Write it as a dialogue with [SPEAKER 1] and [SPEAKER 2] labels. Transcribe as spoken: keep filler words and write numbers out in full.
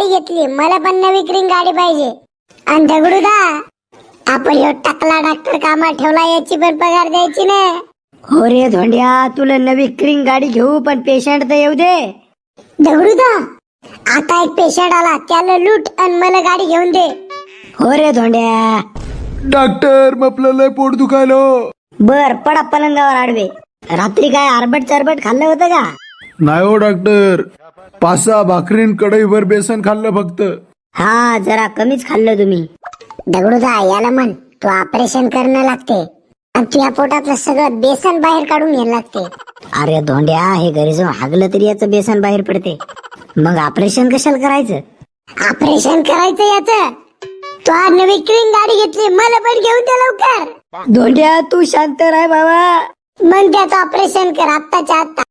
[SPEAKER 1] गाडी घेतली, मला पण नवी क्रिंग गाडी पाहिजे. आणि दगडूदा, आपण ह्यो टकला डॉक्टर कामात ठेवला, याची पण पगार द्यायची ना.
[SPEAKER 2] हो रे धोंड्या, तुला नवी क्रिंग गाडी घेऊ, पण पेशंट तर येऊ दे.
[SPEAKER 1] दगडूदा, आता एक पेशंट आला, त्याला लूट आणि मला गाडी घेऊन दे.
[SPEAKER 2] हो रे धोंड्या.
[SPEAKER 3] डॉक्टर आपलं लय पोट दुखायलो.
[SPEAKER 2] बर पडा पलंगावर आडवे. रात्री काय आरबट चरबट खाल्लं होतं का?
[SPEAKER 3] नाही हो डॉक्टर, पाच सहा भाकरीन कढईभर बेसन खाल्लं फक्त.
[SPEAKER 2] हा, जरा कमीच खाल्लं तुम्ही.
[SPEAKER 1] दगडूदा, याला म्हण तू ऑपरेशन करणं लागते आणि तुझ्या पोटातलं सगळं बेसन बाहेर काढून घ्यायला लागते.
[SPEAKER 2] अरे धोंड्या, हे घरी जाऊन हागलं तरी याचं बेसन बाहेर पडते, मग ऑपरेशन कशाला करायचं?
[SPEAKER 1] ऑपरेशन करायचं याच. तू आज नवी क्रिंग गाडी घेतली, मला पण घेऊन दे लवकर.
[SPEAKER 2] धोंड्या, तू शांत राह बाबा.
[SPEAKER 1] मग त्याचं ऑपरेशन कर आत्ताच्या आत्ता.